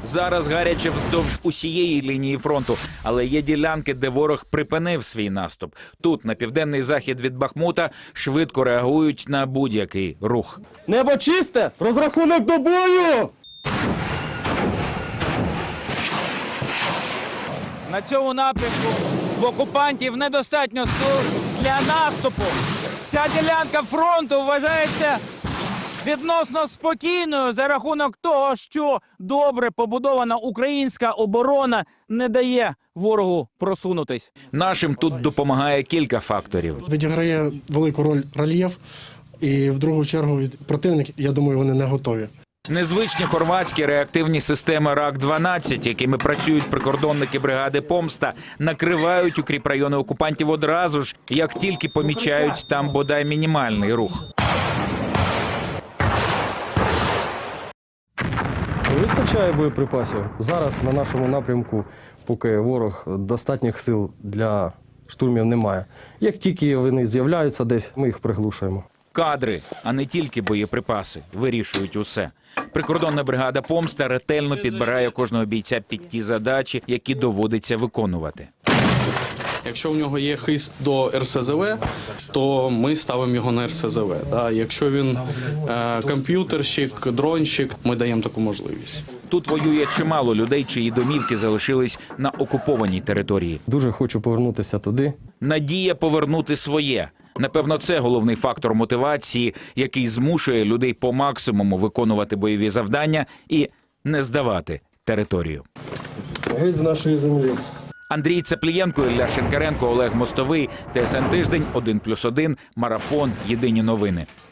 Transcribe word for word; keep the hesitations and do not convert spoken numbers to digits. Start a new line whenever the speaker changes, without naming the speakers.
Зараз гаряче вздовж усієї лінії фронту, але є ділянки, де ворог припинив свій наступ. Тут, на південний захід від Бахмута, швидко реагують на будь-який рух.
Небо чисте! Розрахунок до бою!
На цьому напрямку в окупантів недостатньо сил для наступу. Ця ділянка фронту вважається відносно спокійною за рахунок того, що добре побудована українська оборона не дає ворогу просунутись.
Нашим тут допомагає кілька факторів.
Відіграє велику роль рельєф, і в другу чергу противник, я думаю, вони не готові.
Незвичні хорватські реактивні системи рак дванадцять, якими працюють прикордонники бригади «Помста», накривають укріпрайони окупантів одразу ж, як тільки помічають там бодай мінімальний рух.
Вистачає боєприпасів. Зараз на нашому напрямку, поки ворог достатніх сил для штурмів немає. Як тільки вони з'являються десь, ми їх приглушуємо.
Кадри, а не тільки боєприпаси, вирішують усе. Прикордонна бригада «Помста» ретельно підбирає кожного бійця під ті задачі, які доводиться виконувати.
Якщо в нього є хист до ер ес зе ве, то ми ставимо його на ер ес зе ве. Якщо він е, комп'ютерщик, дронщик, ми даємо таку можливість.
Тут воює чимало людей, чиї домівки залишились на окупованій території.
Дуже хочу повернутися туди.
Надія повернути своє. Напевно, це головний фактор мотивації, який змушує людей по максимуму виконувати бойові завдання і не здавати територію.
Геть з нашої землі.
Андрій Цеплієнко, Ілля Шинкаренко, Олег Мостовий, Т С Н Тиждень, один плюс один, Марафон, Єдині новини.